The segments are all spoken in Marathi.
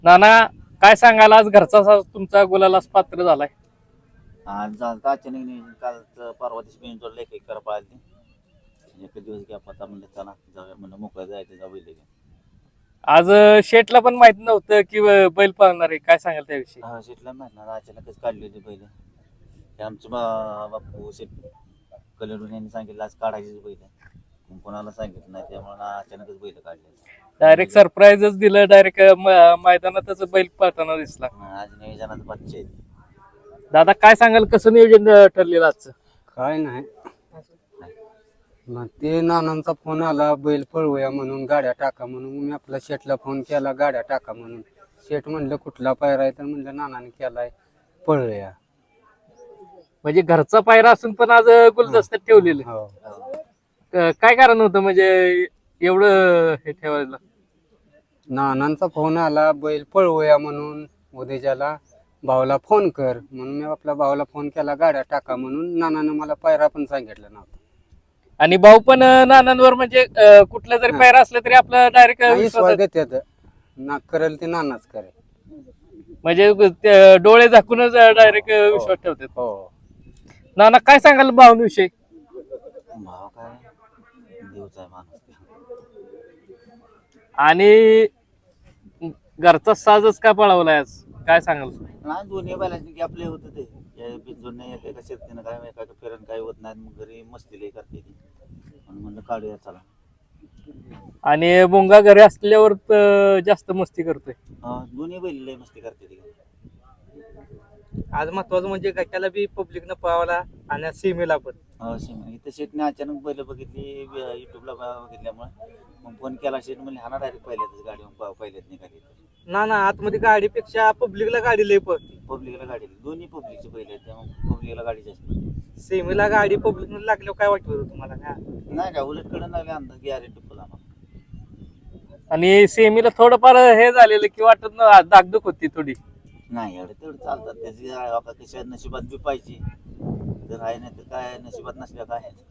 नाना, काय सांगाल आज घरचा साज तुमचा गुलालास पात्र झालाय? आज झालं अचानक नियोजन काल परवा दिवशी बेंचवर लेख एक करा पाहिजे एक दिवस घ्या पता म्हणलं चला जाऊया म्हणलं मोकळं जायचं जाऊ बैल घेऊन. आज शेटला पण माहित नव्हतं की बैल पळणार आहे, काय सांगाल त्याविषयी? हा शेटला माहित ना अचानकच काढली होती बैल. ते आमचं बापू शेट कलडून यांनी सांगितलं आज काढायचीच बैल मग कोणाला सांगितलं नाही त्यामुळे अचानकच बैल काढले. डायरेक्ट सरप्राईजच दिलं, डायरेक्ट मैदानातच बैल पळताना दिसला. आज नियोजनात बच्चे आहेत. दादा, काय सांगाल कसं नियोजन ठरलेलं आजचं? काय नाही मग ते नानांचा फोन आला बैल पळवूया म्हणून, गाड्या टाका म्हणून. मी आपला शेटला फोन केला गाड्या टाका म्हणून. शेट म्हणलं कुठला पायरा आहे, तर म्हणलं नानाने केलाय पळूया. म्हणजे घरचा पायरा असून पण आज गुलदस्त्यात ठेवलेलं. हो काय कारण होतं म्हणजे एवढं हे ठेवायला? नानांचा फोन आला बैल पळवूया म्हणून, उद्याच्याला भावाला फोन कर म्हणून. मी आपल्या भावाला फोन केला गाड्या टाका म्हणून. नानानं मला पायरा पण सांगितलं नव्हता. आणि भाऊ पण नानांवर म्हणजे कुठला जरी पायरा असला तरी आपला डायरेक्ट विश्वास देतात ना, करेल ते नानाच करेल. म्हणजे डोळे झाकूनच डायरेक्ट विश्वास ठेवतात. हो नाना, काय सांगाल भाऊंविषयी? भाव काय देवचा आहे माणूस. आणि घरचा साजच का पळवलाय आज, काय सांगाल? नाही दोन्ही बैलांची की आपले होतं ते बिंजोडने एका शेतीनं काय एका फिरण काही होत नाही मग घरी मस्ती लई करते ती म्हणून म्हणलं काढूया चला. आणि बोंगा घरी असल्यावर जास्त मस्ती करतोय. दोन्ही बैल लई मस्ती करते ती. आज महत्वाचं म्हणजे गटाला बी पब्लिकनं पळवला आणि सीमेला पण. इथं शेटने अचानक बैल बघितली युट्यूबला बघितल्यामुळे मग फोन केला शेट म्हणजे हा डायरेक्ट पहिल्यातच गाडी पहिल्यात निघाली. ना आतमध्ये गाडीपेक्षा पब्लिकला गाडी लय पळते. पब्लिकला गाडी दोन्ही पब्लिकचे बैल आहेत त्यामुळे पब्लिकला गाडी जास्त पळते. सीमेला गाडी पब्लिकनं लागल्यावर काय वाटत होतं तुम्हाला? नाही का उलट कडे लागले अंदाज गॅरेंटी फुल आम्हाला. आणि सेमीला थोडंफार हे झालेलं की वाटत ना दागदुख होती थोडी. नाही एवढं तेवढं चालतात त्याची कशा नशिबात बी पाहिजे तर आहे नाही तर काय नशिबात नसल्या काय आहे.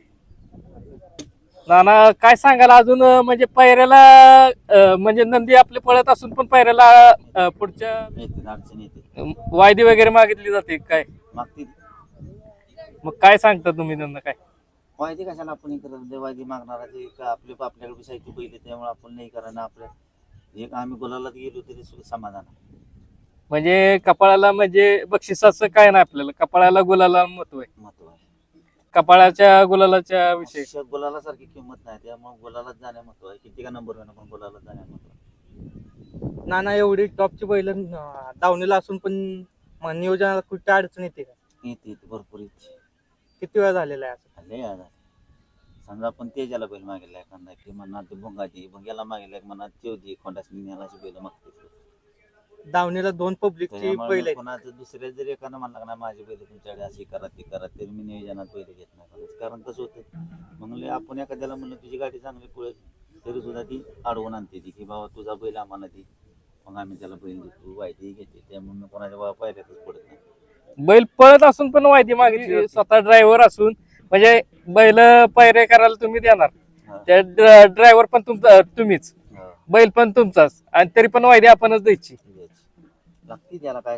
नाना, काय सांगाल अजून म्हणजे पायऱ्याला म्हणजे नंदी आपले पळत असून पण पायऱ्याला पुढच्या येते अडचण येते वायदी वगैरे मागितली जाते काय? मागतील मग काय सांगता तुम्ही त्यांना काय? वायदी कशाला आपण हे करत वायदी मागणारा ते आपल्याकडे बी साहित्य पहिले त्यामुळे आपण नाही करा ना आपल्या एक आम्ही गुलालात गेलो तरी सुद्धा समाधान आहे. म्हणजे कपाळाला म्हणजे बक्षिसाचं काय नाही आपल्याला, कपाळाला गुलाला महत्व आहे. महत्व आहे कपाळाच्या गुलालाच्या विषयी गुलाला सारखी किंमत नाही त्यामुळे गुलालात जाण्या महत्व आहे. किती का नंबर होणार पण गुलालात जाण्या महत्व. नाना एवढी टॉपची बैल दावणीला असून पण नियोजनाला कुठे अडचण येते का? येते भरपूर येते. किती वेळा झालेला आहे असं? लय आजार समजा आपण तेजाला बैल मागितला एखादा की म्हणणार ते भुंग्याला मागितला एक म्हणणार तेवढी खोंडासनी नेलाची बैल मागते. दावणीला दोन पब्लिकची बैल आहेत. कोणाचं दुसऱ्या जरी एखादं म्हणलं का नाही माझी बैल तुमच्याकडे अशी करा ती करा तरी मी नियोजनात बैल घेत नाही. कारण कसं होतं म्हणलं आपण एखाद्याला म्हणलं तुझी गाडी चांगली पळत तरी सुद्धा ती अडवून आणते ती की बाबा तुझा बैल आम्हाला दी मग आम्ही त्याला बैल देतो वायदी घेते त्यामुळे कोणाच्या बाबा पायऱ्यातच पडत नाही. बैल पळत असून पण वायदी मागितली, स्वतः ड्रायव्हर असून म्हणजे बैल पायरे करायला तुम्ही देणार, त्या ड्रायव्हर पण तुम्हीच, बैल पण तुमचाच, आणि तरी पण वायदी आपणच द्यायची. लागते त्याला काय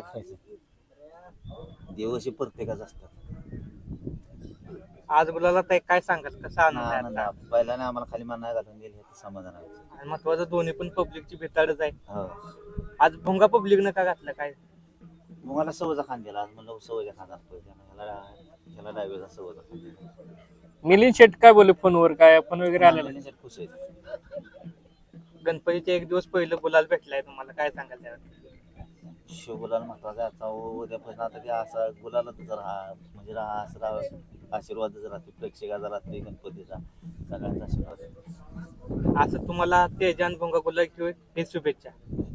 खायचं दिवशी प्रत्येकाच असतात. आज बोलायला काय सांगाल, कसा आनंद आहे? बैलाने आम्हाला खाली मान घालून गेले समाधान आहे. आणि महत्वाचं दोन्ही पण पब्लिकची भेटाडच आहे. हो आज भोंगा पब्लिकनं का घातलं काय? मग मला सवयचा खान दिला आज म्हणलं सवयचा खान पाहिजे ह्याला डायव्हरचा सवयचा खान दिला. मिलिंद शेट काय बोलले फोनवर, काय फोन वगैरे आलेला? खुश आहे. गणपतीच्या एक दिवस पहिलं बोलायला भेटलाय तुम्हाला, काय सांगाल त्यावर? शिव गुलाल महत्वाचा आहे. आता उद्यापासून आता ते असा गुलालातच राहा म्हणजे राहा असं राहा आशीर्वादच राहते प्रेक्षकाचा राहते गणपतीचा सगळ्यांचा आशीर्वाद. असं तुम्हाला तेजान भोंगा गुलाल किंवा हे शुभेच्छा.